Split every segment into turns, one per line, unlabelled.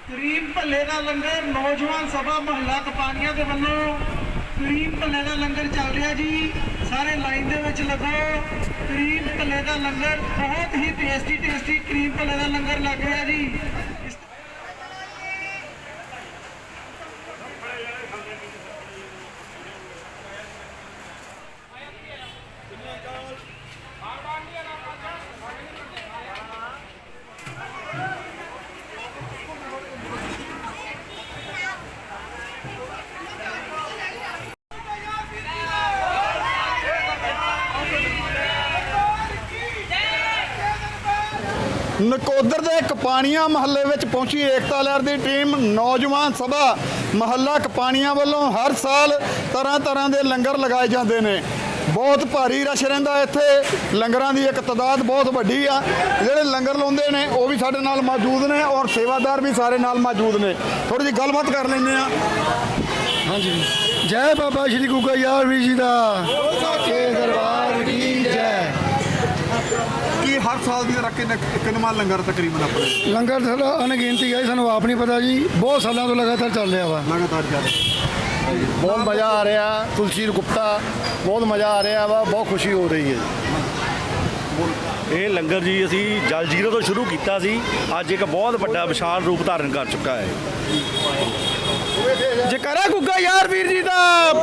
Cream ਭੱਲੇ ਦਾ ਲੰਗਰ ਨੌਜਵਾਨ ਸਭਾ ਮਹੱਲਾ ਕਪਾਨੀਆਂ ਦੇ ਵੱਲੋਂ ਕਰੀਮ ਭੱਲੇ ਦਾ ਲੰਗਰ ਚੱਲ ਰਿਹਾ ਜੀ। ਸਾਰੇ ਲਾਈਨ ਦੇ ਵਿੱਚ ਲੱਗੋ। ਕਰੀਮ ਭੱਲੇ ਦਾ ਲੰਗਰ ਬਹੁਤ ਹੀ ਟੇਸਟੀ ਕਰੀਮ ਭੱਲੇ ਦਾ ਲੰਗਰ ਲੱਗ ਰਿਹਾ ਜੀ।
ਨਕੋਦਰ ਦੇ ਕਪਾਣੀਆਂ ਮਹੱਲੇ ਵਿੱਚ ਪਹੁੰਚੀ ਏਕਤਾ ਲਹਿਰ ਦੀ ਟੀਮ। ਨੌਜਵਾਨ ਸਭਾ ਮਹੱਲਾ ਕਪਾਣੀਆਂ ਵੱਲੋਂ ਹਰ ਸਾਲ ਤਰ੍ਹਾਂ ਦੇ ਲੰਗਰ ਲਗਾਏ ਜਾਂਦੇ ਨੇ। ਬਹੁਤ ਭਾਰੀ ਰਸ਼ ਰਹਿੰਦਾ ਇੱਥੇ। ਲੰਗਰਾਂ ਦੀ ਇੱਕ ਤਾਦਾਦ ਬਹੁਤ ਵੱਡੀ ਆ। ਜਿਹੜੇ ਲੰਗਰ ਲਾਉਂਦੇ ਨੇ ਉਹ ਵੀ ਸਾਡੇ ਨਾਲ ਮੌਜੂਦ ਨੇ ਔਰ ਸੇਵਾਦਾਰ ਵੀ ਸਾਰੇ ਨਾਲ ਮੌਜੂਦ ਨੇ। ਥੋੜੀ ਜਿਹੀ ਗੱਲਬਾਤ ਕਰ ਲੈਂਦੇ ਆ। ਹਾਂਜੀ,
ਜੈ ਬਾਬਾ ਸ਼੍ਰੀ ਗੁੱਗਾ ਯਾਰ ਵੀਰ ਜੀ ਦਾ ਸੱਚੇ ਦਰਬਾਰ ਕੀ ਜੈ।
ਕੀ ਹਰ ਸਾਲ ਦੀ ਤਰ੍ਹਾਂ ਕਿੰਨਾ ਲੰਗਰ ਤਕਰੀਬਨ ਆਪਣੇ
ਲੰਗਰ ਸਾਡਾ ਅਣਗਿਣਤੀ ਹੈ, ਸਾਨੂੰ ਆਪ ਨਹੀਂ ਪਤਾ ਜੀ। ਬਹੁਤ ਸਾਲਾਂ ਤੋਂ ਲਗਾਤਾਰ ਚੱਲ ਰਿਹਾ ਵਾ।
ਲਗਾਤਾਰ ਚੱਲ
ਬਹੁਤ ਮਜ਼ਾ ਆ ਰਿਹਾ। ਤੁਲਸੀਰ ਗੁਪਤਾ ਬਹੁਤ ਮਜ਼ਾ ਆ ਰਿਹਾ ਵਾ। ਬਹੁਤ ਖੁਸ਼ੀ ਹੋ ਰਹੀ ਹੈ।
ਇਹ ਲੰਗਰ ਜੀ ਅਸੀਂ ਜਲ ਜੀਰੋ ਤੋਂ ਸ਼ੁਰੂ ਕੀਤਾ ਸੀ। ਅੱਜ ਇੱਕ ਬਹੁਤ ਵੱਡਾ ਵਿਸ਼ਾਲ ਰੂਪ ਧਾਰਨ ਕਰ ਚੁੱਕਾ ਹੈ।
ਜੈਕਾਰਾ ਗੁੱਗਾ ਯਾਰ ਵੀਰ ਜੀ ਦਾ।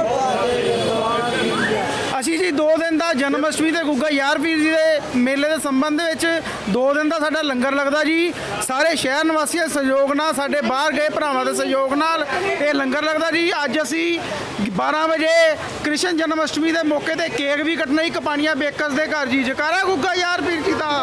ਅਸੀਂ ਜੀ 2 ਦਿਨ ਦਾ ਜਨਮ ਅਸ਼ਟਮੀ ਤੇ ਗੁੱਗਾ ਯਾਰ ਵੀਰ ਜੀ ਦੇ ਮੇਲੇ ਦੇ ਸੰਬੰਧ ਦੇ ਵਿੱਚ 2 ਦਿਨ ਦਾ ਸਾਡਾ ਲੰਗਰ ਲੱਗਦਾ ਜੀ। ਸਾਰੇ ਸ਼ਹਿਰ ਨਿਵਾਸੀਆਂ ਦੇ ਸਹਿਯੋਗ ਨਾਲ, ਸਾਡੇ ਬਾਹਰ ਗਏ ਭਰਾਵਾਂ ਦੇ ਸਹਿਯੋਗ ਨਾਲ ਇਹ ਲੰਗਰ ਲੱਗਦਾ ਜੀ। ਅੱਜ ਅਸੀਂ 12 ਵਜੇ ਕ੍ਰਿਸ਼ਨ ਜਨਮ ਅਸ਼ਟਮੀ ਦੇ ਮੌਕੇ ਤੇ ਕੇਕ ਵੀ ਕੱਟਣਾ ਹੀ ਕਪਾਣੀਆਂ ਬੇਕਰਸ ਦੇ ਘਰ ਜੀ। ਜੈਕਾਰਾ ਗੁੱਗਾ ਯਾਰ ਵੀਰ ਜੀ ਦਾ।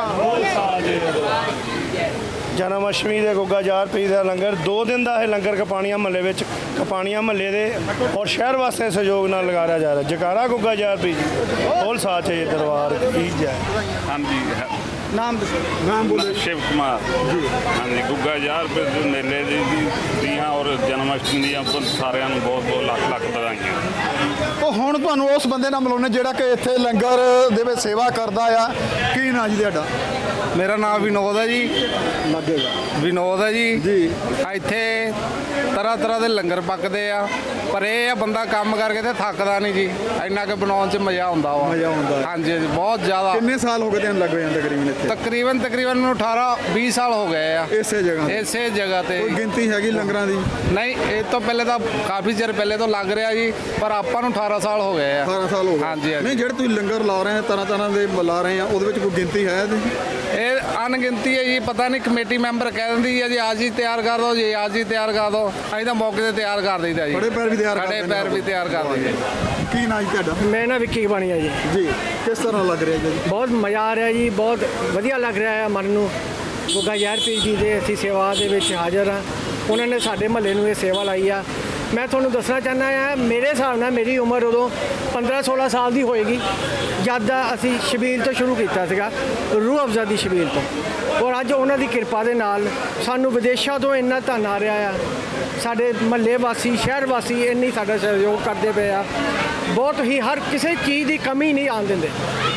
ਜਨਮ ਅਸ਼ਟਮੀ ਦੇ ਗੁੱਗਾ ਯਾਰ ਪੀਰ ਦਾ ਲੰਗਰ 2 ਦਿਨ ਦਾ ਇਹ ਲੰਗਰ ਕਪਾਣੀਆਂ ਮਹੱਲੇ ਵਿੱਚ ਕਪਾਣੀਆਂ ਮਹੱਲੇ ਦੇ ਔਰ ਸ਼ਹਿਰ ਵਾਸੀਆਂ ਦੇ ਸਹਿਯੋਗ ਨਾਲ ਲਗਾਇਆ ਜਾ ਰਿਹਾ। ਜੈਕਾਰਾ ਗੁੱਗਾ ਯਾਰ ਪੀਰ ਜੀ ਬੋਲ ਸਾਚੇ ਦਰਬਾਰ ਕੀ ਜੈ।
ਹਾਂਜੀ
ਨਾਮ ਦੱਸੋ।
ਨਾਮ ਬੋਲੇ।
शिव कुमार जी। हाँ जी गुग्गा यार फिर जो मेले ਦੀਆਂ ਔਰ ਜਨਮ ਅਸ਼ਟਮੀ ਦੀਆਂ ਸਾਰਿਆਂ ਨੂੰ ਬਹੁਤ ਬਹੁਤ ਲੱਖ ਵਧਾਈਆਂ।
ਉਹ ਹੁਣ ਤੁਹਾਨੂੰ ਉਸ ਬੰਦੇ ਨਾਲ ਮਿਲਾਉਣੇ ਜਿਹੜਾ ਕਿ ਇੱਥੇ ਲੰਗਰ ਦੇ ਵਿੱਚ ਸੇਵਾ ਕਰਦਾ ਆ। ਕੀ ਨਾਂ ਜੀ ਤੁਹਾਡਾ?
ਮੇਰਾ ਨਾਮ ਵਿਨੋਦ ਹੈ ਜੀ।
ਲੱਗੇਗਾ
ਵਿਨੋਦ ਹੈ ਜੀ।
ਜੀ।
ਇੱਥੇ ਤਰ੍ਹਾਂ ਦੇ ਲੰਗਰ ਪੱਕਦੇ ਆ, ਪਰ ਇਹ ਆ ਬੰਦਾ ਕੰਮ ਕਰਕੇ ਤੇ ਥੱਕਦਾ ਨਹੀਂ ਜੀ। ਇੰਨਾ ਕਿ ਬਣਾਉਣ 'ਚ ਮਜ਼ਾ ਆਉਂਦਾ ਵਾ।
ਮਜ਼ਾ ਆਉਂਦਾ ਹੈ।
ਹਾਂਜੀ ਹਾਂਜੀ, ਬਹੁਤ ਜ਼ਿਆਦਾ।
ਕਿੰਨੇ ਸਾਲ ਹੋ ਗਏ ਤੁਹਾਨੂੰ ਲੱਗ ਜਾਂਦੇ ਤਕਰੀਬਨ ਇੱਥੇ?
ਤਕਰੀਬਨ ਮੈਨੂੰ 18-20 ਸਾਲ ਹੋ ਗਏ ਆ
ਇਸੇ ਜਗ੍ਹਾ ਤੇ?
ਇਸੇ ਜਗ੍ਹਾ ਤੇ।
ਕੋਈ ਗਿਣਤੀ ਹੈਗੀ ਲੰਗਰਾਂ ਦੀ?
ਨਹੀਂ, ਇਹ ਤੋਂ ਪਹਿਲੇ ਤਾਂ ਕਾਫੀ ਚਿਰ ਪਹਿਲੇ ਤੋਂ ਲੱਗ ਰਿਹਾ ਜੀ, ਪਰ ਆਪਾਂ ਨੂੰ 18 ਸਾਲ ਹੋ ਗਏ ਆ।
18 ਸਾਲ ਹੋ ਗਏ।
ਹਾਂਜੀ ਹਾਂਜੀ।
ਨਹੀਂ, ਜਿਹੜੇ ਤੁਸੀਂ ਲੰਗਰ ਲਾ ਰਹੇ ਆ ਤਰ੍ਹਾਂ ਦੇ ਲਾ ਰਹੇ ਆ, ਉਹਦੇ ਵਿੱਚ ਕੋਈ ਗਿਣਤੀ ਹੈ ਇਹਦੀ?
ਇਹ ਅਣਗਿਣਤੀ ਹੈ ਜੀ। ਪਤਾ ਨਹੀਂ, ਕਮੇਟੀ ਮੈਂਬਰ ਕਹਿ ਦਿੰਦੀ ਹੈ ਜੀ ਅੱਜ ਹੀ ਤਿਆਰ ਕਰ ਦਿਓ ਜੀ, ਅੱਜ ਹੀ ਤਿਆਰ ਕਰ ਦਿਓ। ਅਸੀਂ ਤਾਂ ਮੌਕੇ ਤੇ ਤਿਆਰ ਕਰ ਦਈਦਾ ਜੀ।
ਖੜੇ ਪੈਰ ਵੀ ਤਿਆਰ ਕਰ
ਖੜੇ
ਦਿੰਦੇ
ਪੈਰ ਵੀ ਤਿਆਰ ਕਰ ਦਈਦੇ।
ਕੀ ਨਾਂ ਜੀ ਤੁਹਾਡਾ?
ਮੈਂ ਨਾ ਵਿੱਕੀ ਕਪਾਣੀਆਂ ਜੀ।
ਜੀ। ਕਿਸ ਤਰ੍ਹਾਂ ਲੱਗ ਰਿਹਾ ਜੀ?
ਬਹੁਤ ਮਜ਼ਾ ਆ ਰਿਹਾ ਜੀ। ਬਹੁਤ ਵਧੀਆ ਲੱਗ ਰਿਹਾ ਹੈ ਮਨ ਨੂੰ। ਗੁੱਗਾ ਯਾਰ ਪੀਰ ਜੀ ਦੇ ਅਸੀਂ ਸੇਵਾ ਦੇ ਵਿੱਚ ਹਾਜ਼ਰ ਹਾਂ। ਉਹਨਾਂ ਨੇ ਸਾਡੇ ਮਹੱਲੇ ਨੂੰ ਇਹ ਸੇਵਾ ਲਾਈ ਆ। ਮੈਂ ਤੁਹਾਨੂੰ ਦੱਸਣਾ ਚਾਹੁੰਦਾ ਹਾਂ, ਮੇਰੇ ਹਿਸਾਬ ਨਾਲ ਮੇਰੀ ਉਮਰ ਉਦੋਂ 15-16 ਸਾਲ ਦੀ ਹੋਏਗੀ ਜਦ ਅਸੀਂ ਛਬੀਲ ਤੋਂ ਸ਼ੁਰੂ ਕੀਤਾ ਸੀਗਾ, ਰੂਹ ਅਫਜ਼ਾ ਦੀ ਛਬੀਲ ਤੋਂ। ਔਰ ਅੱਜ ਉਹਨਾਂ ਦੀ ਕਿਰਪਾ ਦੇ ਨਾਲ ਸਾਨੂੰ ਵਿਦੇਸ਼ਾਂ ਤੋਂ ਇੰਨਾ ਧਨ ਆ ਰਿਹਾ ਆ। ਸਾਡੇ ਮਹੱਲੇ ਵਾਸੀ, ਸ਼ਹਿਰ ਵਾਸੀ ਇੰਨੀ ਸਾਡਾ ਸਹਿਯੋਗ ਕਰਦੇ ਪਏ ਆ। ਬਹੁਤ ਹੀ ਹਰ ਕਿਸੇ ਚੀਜ਼ ਦੀ ਕਮੀ ਨਹੀਂ ਆਉਣ ਦਿੰਦੇ।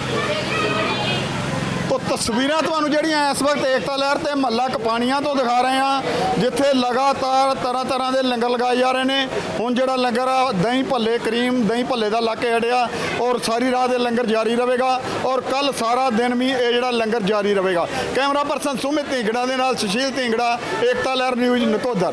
ਤੋ ਤਸਵੀਰਾਂ ਤੁਹਾਨੂੰ ਜਿਹੜੀਆਂ ਇਸ ਵਕਤ ਏਕਤਾ ਲਹਿਰ ਤੇ ਮਹੱਲਾ ਕਪਾਣੀਆਂ ਤੋਂ ਦਿਖਾ ਰਹੇ ਹਾਂ, ਜਿੱਥੇ ਲਗਾਤਾਰ ਤਰ੍ਹਾਂ ਦੇ ਲੰਗਰ ਲਗਾਏ ਜਾ ਰਹੇ ਨੇ। ਹੁਣ ਜਿਹੜਾ ਲੰਗਰ ਆ ਦਹੀਂ ਭੱਲੇ, ਕਰੀਮ ਦਹੀਂ ਭੱਲੇ ਦਾ ਲਾ ਕੇ ਹਟਿਆ ਔਰ ਸਾਰੀ ਰਾਤ ਇਹ ਲੰਗਰ ਜਾਰੀ ਰਹੇਗਾ ਔਰ ਕੱਲ ਸਾਰਾ ਦਿਨ ਵੀ ਇਹ ਜਿਹੜਾ ਲੰਗਰ ਜਾਰੀ ਰਹੇਗਾ। ਕੈਮਰਾ ਪਰਸਨ ਸੁਮਿਤ ਢੀਂਗੜਾ ਦੇ ਨਾਲ ਸੁਸ਼ੀਲ ਢੀਂਗੜਾ, ਏਕਤਾ ਲਹਿਰ ਨਿਊਜ਼ ਨਕੋਦਰ।